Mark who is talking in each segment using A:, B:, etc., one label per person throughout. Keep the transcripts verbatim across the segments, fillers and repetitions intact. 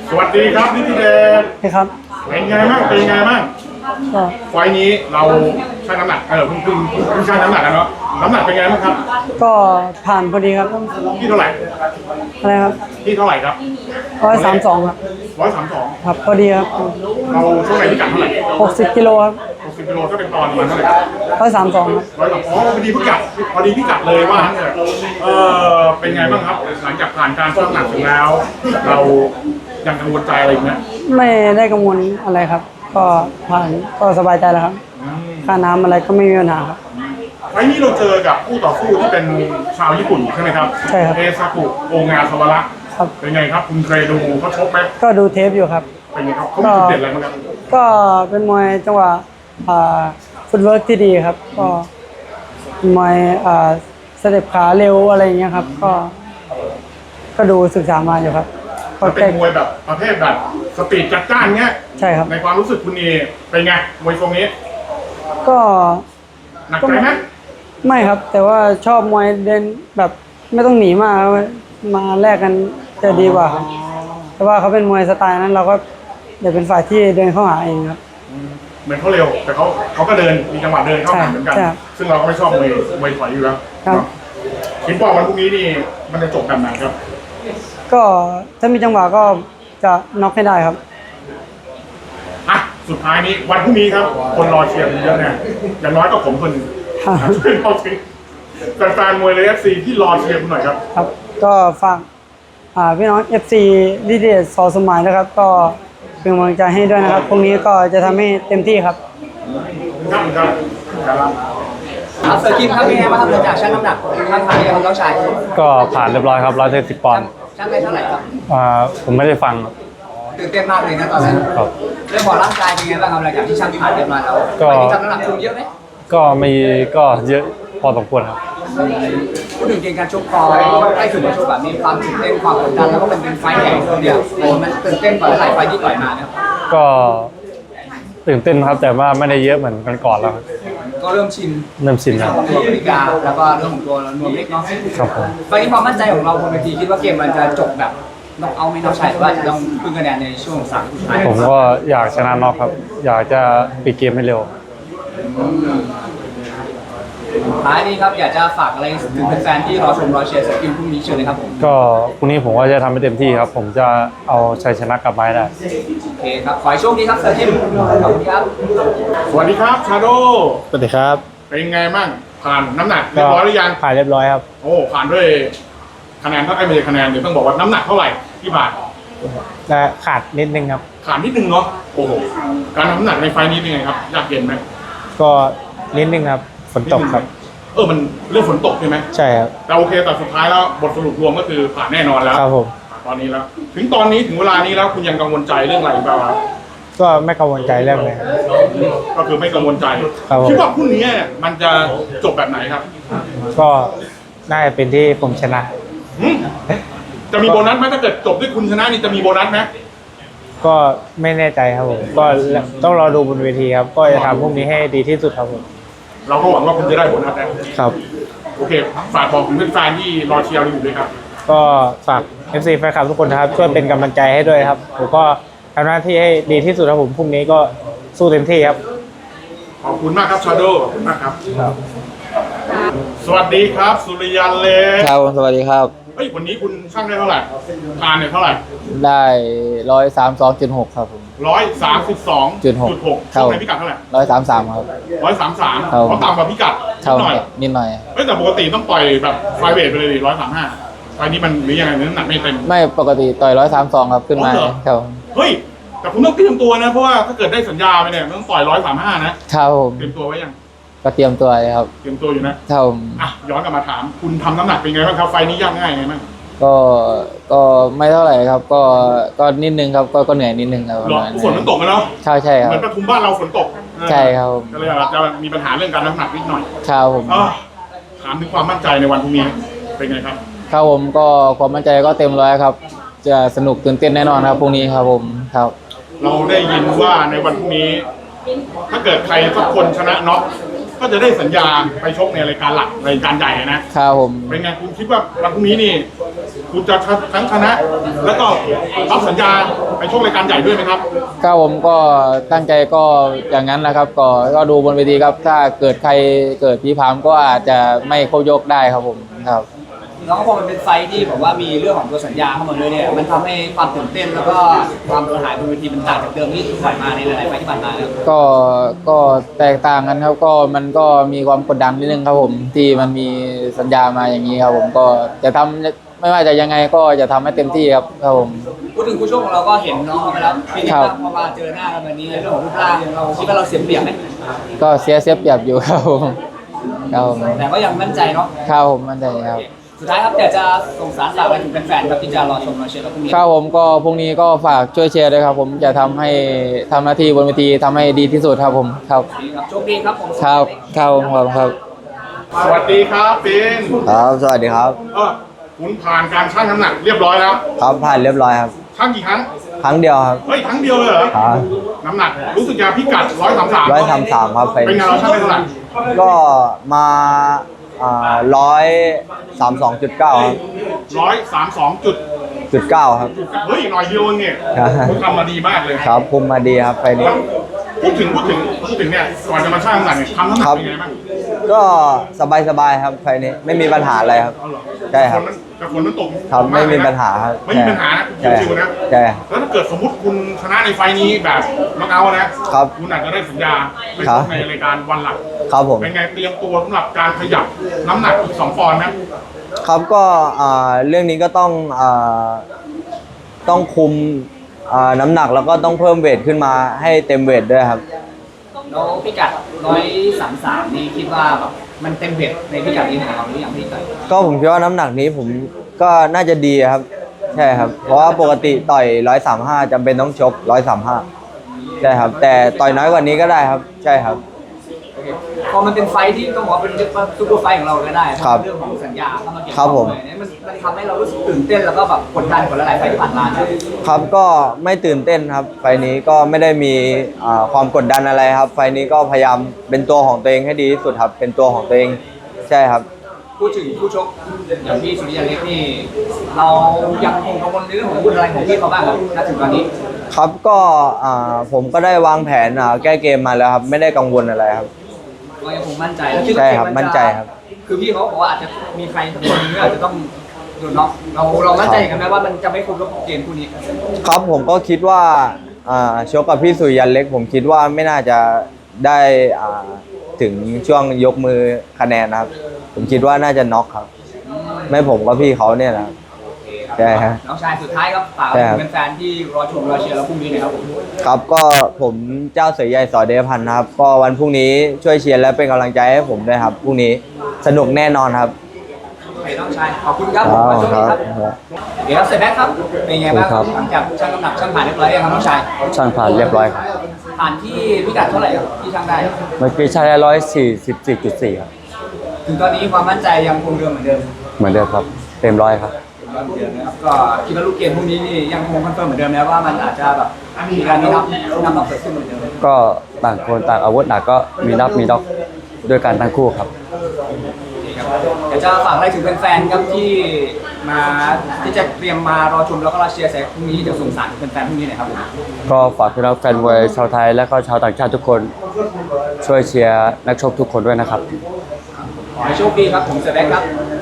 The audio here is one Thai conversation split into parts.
A: สวัสดีครับนิติเดช
B: ใช่ครับ
A: เป็นไงบ้างเป็นไงบ้าง
B: ก็
A: ไฟล์นี้เราชั่งน้ำหนักเออเพิ่งเพิ่งเพิ่งชั่งน้ำหนักกันเนาะน้ำหนักเป็นไงบ้างครับ
B: ก็ผ่านพอดีครับ
A: ที่เท่าไหร่
B: อะไรครับ
A: ที่เท่าไหร่ครับ
B: ร้อยสามสองครับ
A: ร้อยสามสอง
B: ครับพอดีครับ
A: เราช่วงไหนพิกัดเท่าไหร่
B: หกสิบกิโลครับ
A: หกสิบกิโลก็เป็นตอนประมาณเท่าไหร่
B: ร้อยสามสองครับ
A: ร้อยสามอ๋อพอดีพิกัดพอดีพิกัดเลยว่างั้นเถอะเออเป็นไงบ้างครับหลังจากผ่านการชั่งน้ำหนักเสร็จแล้ว เรายังกังวลใจอะไรอีกไหม
B: ไม่ได้กังวลอะไรครับ ก็ผ่านก็สบายใจแล้วครับ
A: อืม
B: ค่าน้ำอะไรก็ไม่มีปัญหาครับ
A: ไฟล์นี้เราเจอกับคู่ต่อสู้ที่เป็นชาวญี่ปุ่นใช่ไหมครับ
B: ใช่ครับ
A: เอซากุโองาสวาระ
B: ครับ
A: เป็นไงครับคุณเคยดูเขาชกไหม
B: ก็ดูเทปอยู่ครับ
A: เป็นไงครับเขามีจุดเด่นอะไรบ้างครับ
B: ก็เป็นมวยจังหวะอ่าฟุตเวิร์กที่ดีครับ ก็มวยอ่าสเต็ปขาเร็วอะไรอย่างเงี้ยครับ ก็ ก็ดูศึกษามาอยู่ครับก็
A: มันเป็
B: แก้
A: นมวยแบบประเภทแบบสปีดจัดจ้านเงี้ย
B: ใช่ครับ
A: ในความรู้สึกคุณนี่เป็นไงมวยทรงนี้
B: ก็
A: หนักใจไหม
B: ไม่ครับ แต่ว่าชอบมวยเดินแบบไม่ต้องหนีมากครับมาแลกกันจะดีกว่าครับแต่ว่าเขาเป็นมวยสไตล์นั้น เราก็เดี๋ยวเป็นฝ่ายที่เดินเข้าหาเองครับ
A: เหมือนเขาเร็วแต่เขาเขาก็เดินมีจังหวะเดินเข้าหาเหมือนกัน
B: ใช่ครับ
A: ซึ่งเราก็ไม่ชอบมวยมวยถอยอยู่แล้ว
B: ครับ
A: คิดว่าวันพรุ่งนี้นี่มันจะจบแบบไหนครับ
B: ก็ถ้ามีจังหวะก็จะน็อกให้ได้ครับ
A: อ่ะสุดท้ายนี้วันพรุ่งนี้ครับ คนรอเชียร์เยอะแน่อย่างน้อยก็ผมคนหนึ่ง
B: ครับ
A: ช่วยเข้าถึงแฟนๆมวยเลยเอฟซีที่รอเชียร์คุณหน่อยครับ
B: ครับ ก็ฝากอ่าพี่น้อง เอฟ ซี ลิเดียสอสมัยนะครับ ก็เป็นกำลังใจให้ด้วยนะครับพรุ่งนี้ก็จะทำให้เต็มที่ครับ
A: ครับครับครับ
C: ครับเซอร์คิมครับเป็นไงบ้างครับหลังจากชั่งน้ำหนักท่านผ่านยังน้องชาย
D: ก็ผ่านเรียบร้อยครับร้อยเจ็ดสิบปอนด์
C: ชั่งไปเท่าไหร่ครับ
D: อ่าผมไม่ได้ฟัง
C: ตื่นเต้นมากเลยนะตอนนั้น
D: ครับ
C: เรื่องของร่างกายเป็นไงบ้างครับหลังจากที่ชั่งผ่านเรียบร้อยแล้ว
D: ก็
C: วันนี้ทำน้ำหนักคุมเยอะไหม
D: ก็มีก็เยอะพอสมควรครับ
C: พูดถึงเกมการชกพอได้ถึงมาชกแบบมีความตื่นเต้นความกดดันแล้วก็เป็นเป็นไฟท์ใหญ่คนเดียวมันตื่นเต้นกว่าหลายไฟท์ที่ต่อยมานะครับ
D: ก็ตื่นเต้นครับแต่ว่าไม่ได้เยอะเหมือนกันก่อนแล้วครับ
C: ก็เริ่มชิน
D: เริ่มชิน
C: ใน
D: แล้ว
C: เรื่องของตัวกติกาแล้วก็เรื่องของตัวนวมเล็กเนาะ
D: ครับผม
C: ไฟท์นี้ความมั่นใจของเราบนเวทีคิดว่าเกมมันจะจบแบบต้องเอาไม่น้องชายหรือว่าจะต้องพึ่งคะแนนในช่วงสามสุดท้าย
D: ผมก็อยากชนะน็อกครับ อยากจะปิดเกมให้เร็ว
C: ท้ายนี้ครับอยากจะฝากอะไรถึงแฟนๆที่รอชมรอเชียร์สกิลพรุ่งนี้เชิญเลยครับผม
D: ก็พรุ่งนี้ผมก็จะทำให้เต็มที่ครับ ผมจะเอาชัยชนะกลับมาให้ได้
C: โอเคครับ ขอให้โชคดีครับเซอร์จิมขอบคุณครับ
A: สวัสดีครับชาโด
D: สวัสดีครับ
A: เป็นไงบ้างผ่านน้ำหนักเรียบร้อยหรือยัง
D: ผ่านเรียบร้อยครับ
A: โอ้ผ่านด้วยคะแนนเท่าไอ้ไม่ใช่คะแนนเดี๋ยวต้องบอกว่าน้ำหนักเท่าไหร่ที่ผ่าน
D: และขาดนิดนึงครับ
A: ขาดนิดนึงเนาะโอ้โหการทำน้ำหนักในไฟล์นี้เป็นไงครับยากเย็นไหม
D: ก็นิดนึงครับฝนตกครับ
A: เออมันเรื่องฝนตกใช่ไหม
D: ใช่ครับ
A: แต่โอเคแต่สุดท้ายแล้วบทสรุปรวมก็คือผ่านแน่นอนแล้ว
D: ครับผม
A: ตอนนี้แล้ว ถึงตอนนี้ถึงเวลานี้แล้วคุณยังกังวลใจเรื่องอะไรบ้างครับ
D: ก็ไม่กังวลใจเรื่องเลยครับ
A: ก็คือไม่กังวลใจ
D: ครับผม
A: คิดว่าพรุ่งนี้เนี่ยมันจะจบแบบไหนครับ
D: ก็น่าจะเป็นที่ผมชนะ
A: หึจะมีโบนัสไหมถ้าเกิดจบด้วยคุณชนะนี่จะมีโบนัสไหม
D: ก็ไม่แน่ใจครับผมก็ต้องรอดูบนเวทีครับ ก็จะทำพรุ่งนี้ให้ดีที่สุดครับผม
A: เราก็หวังว่าคุณจะได้โบนัสนะครับ โอเคฝากบอกถึงแฟนๆที่รอเชียร์เราอยู่ด้วยครับ
D: ก็ฝาก เอฟ ซี แฟนคลับทุกคนนะครับช่วยเป็นกำลังใจให้ด้วยครับผมก็ทำหน้าที่ให้ดีที่สุดครับผมพรุ่งนี้ก็สู้เต็มที่ครับ
A: ขอบคุณมากครับชาโดขอบคุณมากครับ สวัสดีครับ สุริยันเล็ก
E: ครับผมสวัสดีครับ
A: เฮ้ยวันนี้คุณช่างได้เท่าไหร่ทานเนี่ยเท่าไหร่
E: ได้ร้อยสามสองจุดหกครับผม
A: ร้อยสามสิบสอง
E: จุดหก
A: หก
E: ครับ
A: ช่วงไหนพิกัดเท่าไหร่
E: ร้อยสามสามครับ
A: ร้อยสามสาม
E: ครับ
A: เขาต่ำกว่าพิกัดนิ
E: เท่า
A: ดหน่อย
E: นิดหน่อย
A: เฮ้ยแต่ปกติต้องปล่อยแบบไฟเวทไปเลยร้อยสามห้าไฟนี้มันหรือยังไงน้ำหนักไม่เต็ม
E: ไม่ปกติต่อยร้อยสามสองครับขึ้นมา
A: อ๋อเหรอ
E: ครับผม
A: เฮ้ยแต่คุณต้องเตรียมตัวนะเพราะว่าถ้าเกิดได้สัญญาไปเนี่ยต้องปล่อยร้อยสามห้านะครับ
E: ผม
A: เตรียมตัวไว้ยัง
E: ก็เตรียมตัวเลยครับ
A: เตรียมตัวอยู่นะครับ
E: ผม
A: อ่ะย้อนกลับมาถาม คุณทำน้ำหนักเป็นไงบ้างครับไฟนี้ยากง่ายไงบ้าง
E: ก็ก็ไม่เท่าไหร่ครับ ก็ก็นิดนึงครับก็ก็เหนื่อยนิดนึงครับ
A: หรอฝนมันตกนะเนาะ
E: ใช่ใช่ครั
A: เห
E: บ
A: มือนปทุมบ้านเราฝนตก
E: ใช่ครับผม
A: ก็เลยอาจจะมีปัญหาเรื่องการน้ำหนักนิดหน่อย
E: ครับผม
A: อ่ะถามถึงความมั่นใจในวันพรุ่งนี้เป็นไงครับ
E: ครับผมก็ความมั่นใจก็เต็มร้อยครับ จะสนุกตื่นเต้นแน่นอนครับพรุ่งนี้ครับผมครับ
A: เราได้ยินว่าในวันพรุ่งนี้ ถ้าเกิดใครสักคนชนะน็อกก็จะได้สัญญาไปชกในรายการหลักรายการใหญ่นะครับ
E: ผม
A: เป็นไงคุณคิดว่าวันพรุ่งนี้นี่ คุณจะทั้งชนะ แล้วก็รับสัญญาไปชกรายการใหญ่ด้วยไหมครับ
E: ครับผมก็ตั้งใจก็อย่างนั้นนะครับก็ก็ดูบนเวทีครับถ้าเกิดใครเกิดผีพรามก็อาจจะไม่ครบยกได้ครับผมครับ
C: แล้วก็พอมันเป็นไฟท์ที่แบบว่ามีเรื่องของตัวสัญญาเข้ามาด้วยเนี่ยมันทำให้ความตื่นเต้นแล้วก็ความกระหายบนเวทีมันต่างจากเดิมที่ผ่านมาในหลายๆไฟท์ที่ผ่านมาแล้ว
E: ก็ก็แตกต่างกันครับก็มันก็มีความกดดันนิดนึงครับผมที่มันมีสัญญามาอย่างนี้ครับผมก็จะทำไม่ว่าจะยังไงก็จะทำให้เต็มที่ครับครับผม
C: พูดถึงคู่ชกของเราก็เห็นน้องเขาไปแล้วปีนี้พอมาเจอหน้ากันแบบนี้เรื่องของรูปร่างเราคิดว่าเราเสียเปรียบไหม
E: ก็เสียเสียเปรียบอยู่ครับผมครับผม
C: แต่ก็ยังมั่นใจเนาะ
E: ครับผมมั่นใจครับ
C: สุดท้ายครับอยากจะส่งสารฝากอะไรถึงแฟนๆครับที่จะรอชมมาเชียร์เราพรุ่งนี้
E: ครับผมก็พรุ่งนี้ก็ฝากช่วยเชียร์ด้วยครับผมจะทำให้ทำหน้าที่บนเวทีทำให้ดีที่สุดครับผมครับ
C: ดีครับโชคดีครับผม
E: ครับครับผมขอบคุณครับ
A: สวัสดีครับปิน
F: ครับสวัสดีครับ
A: เออคุณผ่านการชั่งน้ำหนักเรียบร้อยแล้ว
F: ครับผ่านเรียบร้อยครับ
A: ชั่งกี่ครั้ง
F: ครั้งเดียวครับ
A: เฮ้ยครั้งเดียวเลยเหรอ
F: ครับ
A: น้ำหนักรู้สึกจะพิกัดร้อยสามสาม
F: ร้อยสามสามครับไฟ
A: เป็นไงเราชั่งได้เท่าไหร่
F: ก็มาอ่าร้อยสามสองจุดเก้าครับ
A: ร้อยสามสองจุด
F: จุดเก้าครับ
A: เฮ้ยหน่อยเดียวเองเนี่ย
F: ครับ
A: คุณทำมาดีมากเลย
F: ครับคุมมาดีครับไฟนี้
A: พูดถึงพูดถึงพูดถึงเนี่ยก่อนจะมาชั่งน้ำหนักเนี่ยทำน้ำหนักเป็นไงบ้าง
F: ก็สบายสบายๆครับไฟนี้ไม่มีปัญหาอะไรครับ ใช่ครับ
A: แต่ฝนมันตก
F: ครับไม่มีปัญหาครับ
A: ไม่มีปัญหานะ
F: ใช่
A: ชิวๆนะ
F: ใช่
A: แล้วถ้าเกิดสมมติคุณชนะในไฟล์นี้แบบน็อกเอาท์นะครับ คุณอาจจะได้สัญญาไป
F: ครั
A: ช
F: บ
A: กในรายการวันหลัก
F: ครับผม
A: เป็นไงเตรียมตัวสำหรับการขยับน้ำหนักอีกสองปอนด์นะ
F: ครับก็อ่าเรื่องนี้ก็ต้องอ่าต้องคุมอ่าน้ำหนักแล้วก็ต้องเพิ่มเวทขึ้นมาให้เต็มเวทด้วยครับ
C: แล้วพิกัดร้อยสามสามนี่คิดว่าแบบมันเต็มเบ็ดในพิกัดนี้ของเราหรือยังพี่ต่อย
F: ก็ผมคิดว่าน้ำหนักนี้ผมก็น่าจะดีครับ ใช่ครับ เพราะว่าปกติต่อยร้อยสามห้าจำเป็นต้องชกร้อยสามห้าใช่ครับ แต่ต่อยน้อยกว่านี้ก็ได้ครับ ใช่ครับ
C: พอมันเป็นไฟท์ที่ต้องบอกว่าเป็นเรียกว่าซูเปอร์ไฟท์ของเราก็ได้
F: ครับ
C: เรื่องของสัญญาเข้ามาเกี่ยว
F: ครับผม
C: เลยเนี่ยมันมันทำให้เรารู้สึกตื่นเต้นแล้วก็แบบกดดันกว่าหลายๆไฟท์ที่ผ่านมานะ
F: ครับก็ไม่ตื่นเต้นครับ ไฟล์นี้ก็ไม่ได้มีอ่าความกดดันอะไรครับ ไฟล์นี้ก็พยายามเป็นตัวของตัวเองให้ดีที่สุดครับ เป็นตัวของตัวเองใช่ครับ
C: พูดถึงผู้ชกอย่างพี่สุริยันเล็กนี่เรายังคงกังวลในเรื่องของบุญอะไรของพี่เขาบ้างครับณถึงตอนนี้
F: ครับก็อ่าผมก็ได้วางแผนอ่าแก้เกมมาแล้วครับ ไม่ได้กังวลอะไรครับ
C: ก็ยังคงมั่นใจแล้วคิดว่า
F: ใช่
C: เก
F: ครับ
C: มั
F: มั่นใจครับ
C: คือพี่เขาบอกว่าอาจจะมีใครสักคนหนึงที่อาจจะต้องโดนน็อกเราเรามั่นใจกันไหมว่ามันจะไม่ครบรอบเกมคู่นี้
F: ครับผมก็คิดว่าอ่าชกกับพี่สุริยันเล็ก ผมคิดว่าไม่น่าจะได้อ่าถึงช่วงยกมือคะแนนนะครับ ผมคิดว่าน่าจะน็อกครับ ไม่ผมก็พี่เขาเนี่ยนะครับ ใช่ครับ
C: น้องชายสุดท้ายครับฝาก
F: ใช่ครับ
C: เป็นแฟนๆที่รอชมรอเชียร์เราพรุ่งนี้หนะครับผม
F: ครับก็ผมเจ้าเสือใหญ่สอเดชพันธ์นะครับ ก็วันพรุ่งนี้ช่วยเชียร์และเป็นกำลังใจให้ผมด้วยครับพรุ่งนี้สนุกแน่นอนครับ
C: โอเคน้องชายขอบคุณครับผมขอโชคดีครับเดี๋ยวเสร็จแล้วครับเป็นไงบ้าง
F: ครับ
C: หลังจากชั่งน้ำหนักชั่งผ่านเรียบร้อยยังครับน้องชาย
F: ช่างผ่านเรียบร้อยครับ
C: ผ่านที่พิกัดเท่าไหร่ครับที่ชั่งได้
F: เมื่อกี้ช่างได้ร้อยสี่สิบสี่จุดสี่ครับ
C: ถึงตอนนี้ความมั่นใจยังคงเดิมเหมือนเดิม
F: เหมือนเดิมครับ เต็มร้อยครับ
C: เหมือนเดิมนะครับก็คิดว่าลูกเกมพวกนี้นี่ยังคงคอนเฟิร์มเหมือนเดิมนะว่ามันอาจจะแบบมีการนับนับน็อกเกิดขึ้นเหมือนเดิม
F: ก็ต่างคนต่างอาวุธหนักก็มีนับมีน็อกด้วยกันทั้งคู่ครับ
C: เดี๋ยวจะฝากอะไรถึงแฟนๆครับที่มาที่จะเตรียมมารอชมแล้วก็รอเชียร์แสงพรุ่งนี้เดี๋ยวส่งสารถึงแฟนๆพรุ่งนี้หน่อยครับผม
F: ก็ฝากพี่น้องแฟนมวยชาวไทยและก็ชาวต่างชาติทุกคนช่วยเชียร์นักชกทุกคนด้วยนะครับ
C: ขอให้โชคดีครับผมเสด็จครับ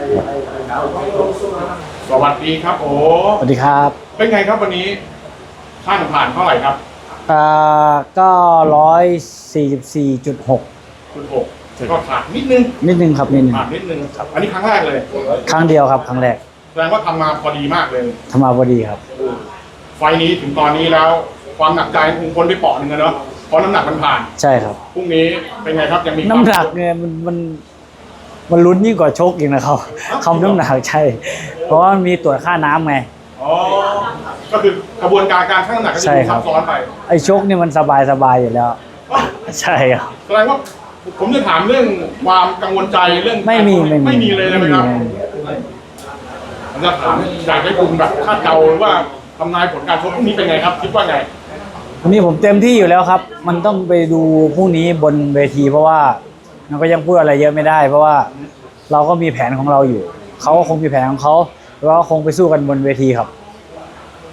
A: สวัสดีครับโอ้
B: สวัสดีครับ
A: เป็นไงครับวันนี้ช่างผ่านเท่าไหร่ครับ
B: อ่าก็ร้อยสี่สิบสี่จุดหก
A: คุณหกก็ขาดนิดนึง
B: นิดนึงครับนิดนึง
A: ขาดนิดนึงอันนี้ครั้งแรกเลย
B: ครั้งเดียวครับครั้งแรก
A: แสดงว่าทำมาพอดีมากเลย
B: ทำมาพอดีครับ
A: ไฟล์นี้ถึงตอนนี้แล้วความหนักใจคงพ้นไปเปาะหนึ่งแล้วเนาะเพราะน้ำหนักมันผ่าน
B: ใช่ครับ
A: พรุ่งนี้เป็นไงครับยังมี
B: น้ำหนักเนี่ยมันมันมันลุ้นยิ่งกว่าชกอีกนะครับคำน้ำหนักใช่ เพราะว่ามันมีตรวจค่าน้ำไง
A: อ๋อก็คือกระบวนการการชั่งน้ำหนักก็จะ
B: ใช่
A: ดู
B: ครั
A: ซั
B: บ
A: บซ้อนไป
B: ไอ้ชกเนี่ยมันสบายสบายอยู่แล้ว ใช่ครับ
A: แสดงว่าผมจะถามเรื่องความกังวลใจเรื่อง
B: ไม่มีไม่มี
A: ไม่มีเลยนะไหมครับ
B: ไม่มี
A: ผมจะถามอยากให้คุณแบบคาดเดาหรือว่าทำนายผลการชกพรุ่งนี้เป็นไงครับ คิดว่าไง
B: วันนี้ผมเต็มที่อยู่แล้วครับ มันต้องไปดูพรุ่งนี้บนเวที เพราะว่ามันก็ยังพูดอะไรเยอะไม่ได้ เพราะว่าเราก็มีแผนของเราอยู่ เขาก็คงมีแผนของเขาแล้วก็คงไปสู้กันบนเวทีครับ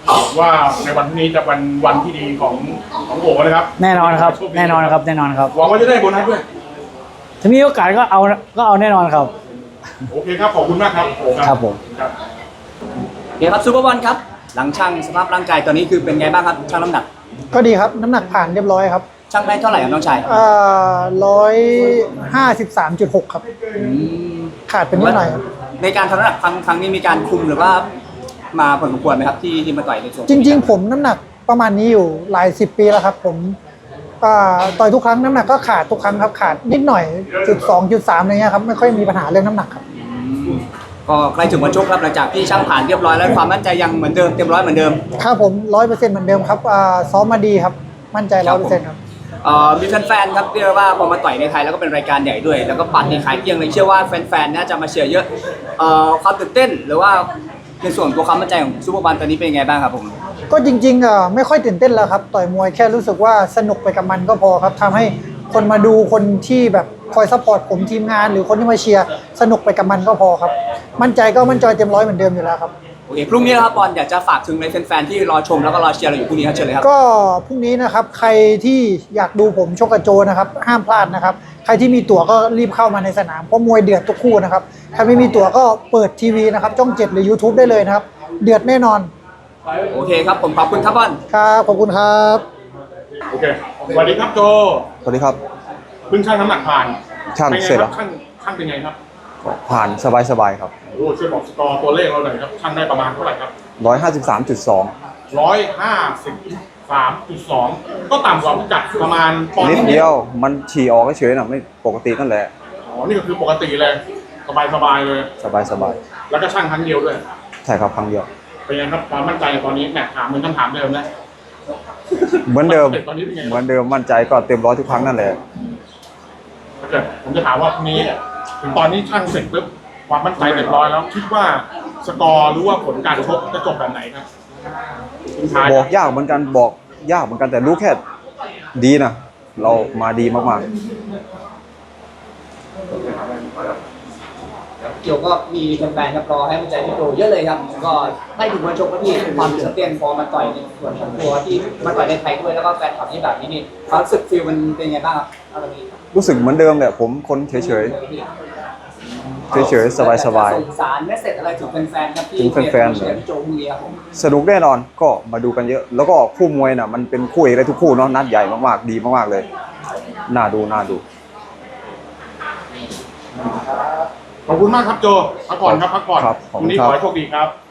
A: ว่าในวันพรุ่งนี้จะเป็นวันที่ดีของของโอ๋นะครับ
B: แน่นอนครับ แน่นอนครับ แน่นอนครับ
A: หวังว่าจะได้โบนัสด้วย
B: ถ้ามีโอกาสก็เอาก็เอาแน่นอนครับ
A: โอเคครับ ขอบคุณมากครับโอ๋
B: ครับผม
A: ครับ
C: โอเคครับซูเปอร์บอลครับหลังช่างสภาพร่างกายตอนนี้คือเป็นไงบ้างครับช่างน้ำหนัก
B: ก็ดีครับ น้ำหนักผ่านเรียบร้อยครับ
C: ช่างได้เท่าไหร่ครับน้องชาย
B: อ่าร้อยห้าสิบสามจุดหกครับ ขาดเป็นนิดหน่อยครับ
C: ในการทำน้ำหนักครั้งครั้งนี้มีการคุมหรือว่ามาผลสมควรไหมครับที่ที่มาต่อยในส่วน
B: จริง ๆ ผมน้ำหนักประมาณนี้อยู่หลายสิบปีแล้วครับ ผมอ่าต่อยทุกครั้งน้ำหนักก็ขาดทุกครั้งครับขาดนิดหน่อยจุดสองจุดสามอะไรเงี้ยครับไม่ค่อยมีปัญหาเรื่องน้ำหนักครับ
C: ก็ใกล้ถึงวันชกครับหลังจากที่ช่างผ่านเรียบร้อยแล้วความมั่นใจยังเหมือนเดิมเต็มร้อยเหมือนเดิม
B: ครับผมร้อยเปอร์เซ็นต์เหมือนเดิมครับอ่าซ้อมมาดีครับ มั่นใจร้อยเปอร์เซ็นต์ครับ
C: เอ่อมีแฟนๆครับเรียกว่าพอมาต่อยในไทยแล้วก็เป็นรายการใหญ่ด้วย แล้วก็ปัดในขายเกลี้ยงเลยเชื่อว่าแฟนๆน่าจะมาเชียร์เยอะเอ่อความตื่นเต้นหรือว่าในส่วนตัวความมั่นใจของซูเปอร์บอลตอนนี้เป็นยังไงบ้างครับผม
B: ก็จริงๆอ่ะไม่ค่อยตื่นเต้นแล้วครับต่อยมวยแค่รู้สึกว่าสนุกไปกับมันก็พอครับทำให้คนมาดูคนที่แบบคอยซัพพอร์ตผมทีมงาน หรือคนที่มาเชียร์สนุกไปกับมันก็พอครับ มั่นใจก็มั่นใจเต็มร้อยเหมือนเดิมอยู่แล้วครับ
C: โอเคพรุ่งนี้นะครับบอลอยากจะฝากถึงในแฟนๆที่รอชมแล้วก็รอเชียร์เราอยู่พรุ่งนี้ครับเชิญเลยครับ
B: ก็พรุ่งนี้นะครับใครที่อยากดูผมชกกับโจนะครับห้ามพลาดนะครับใครที่มีตั๋วก็รีบเข้ามาในสนามเพราะมวยเดือดทุกคู่นะครับใครไม่มีตั๋วก็เปิดทีวีนะครับช่องเจ็ดหรือ YouTube ได้เลยนะครับเดือดแน่นอน
C: โอเคครับผมขอบคุณครับบอล
B: ครับขอบคุณครับ
A: โอเค สวัสดีครับโจ
F: สวัสดีครับ
A: เพิ่งชั่งน้ำหนักผ่าน
F: ช่าง
A: เป็นไง
F: เสร็จ
A: ค
F: แล้
A: รั
F: ว
A: บช่างช่างเป็นไงครับ
F: ผ่านสบายๆครับ
A: โอ้ช่วยบอกสกอร์ตัวเลขเราหน่อยครับช่างได้ประมาณเท่าไหร่ครับ
F: ร้อยห้าสิบสามจุดสอง
A: ร้อยห้าสิบสามจุดสองก็ต่ำกว่าพิกัดประมาณปอนด์
F: นิดเดียวมันฉี่ออกเฉยๆนะไม่ปกตินั่นแหละ
A: อ๋อนี่ก็คือปกติเลยสบายสบายๆเลย
F: สบาย
A: แล้วก็ช่างครั้งเดียวด้วย
F: ๆใช่ครับครั้งเดียว
A: เป็นไงครับความมั่นใจตอนนี้แหมถามเหมือนคำถามเดิมนะ
F: เหมือนเดิม
A: ตอนนี้เป็นไง
F: เหมือนเดิมมั่นใจก็เต็มร้อยทุกครั้งนั่นแหละ
A: ถ้าเกิดผมจะถามว่าพรุ่งนี้ถึงตอนนี้ช่างเสร็จปุ๊บความมั่นใจเต็มร้อยแล้ว คิดว่าสกอร์หรือว่าผลการชกจะจบแบบไหนครับทิ้งท้าย
F: บอกยากเหมือนกันบอกยากเหมือนกันแต่รู้แค่ดีนะเรามาดีมาก
C: เกี่ยวก็มีแฟนๆครับรอให้มั่นใจพี่โจเยอะเลยครับก็ได้ถึงวันชกแล้วพี่ความตื่นเต้นพอมาต่อยในส่วนของตัวที่มาต่อยในไทยด้วยแล้วก็แฟนคลับที่แบบนี้นี่ความรู้สึกฟีลมันเป็นไงบ้างครับเอาตรงนี้
F: ๆ รู้สึกเหมือนเดิมแหละผมคนเฉยๆ เฉยๆ สบาย
C: ส่งสารเมสเซจอะไรถึงแฟนๆครับที่
F: ถึงแฟนๆ
C: เชียร์พี่โจพรุ่งนี้ครับผม
F: ๆ สนุกแน่นอนก็มาดูกันเยอะ แล้วก็คู่มวยน่ะมันเป็นคู่เอกได้ทุกคู่เนาะนัดใหญ่มากๆดีมากๆเลยน่าดูน่าดู
A: ขอบคุณมากครับโจพักผ่อนครับพักผ่อน
F: ครับขอบ
A: พ
F: คุ
A: รุ่ง
F: ณ
A: นี้
F: ครั
A: ข
F: บ
A: อให้โชคดีครับ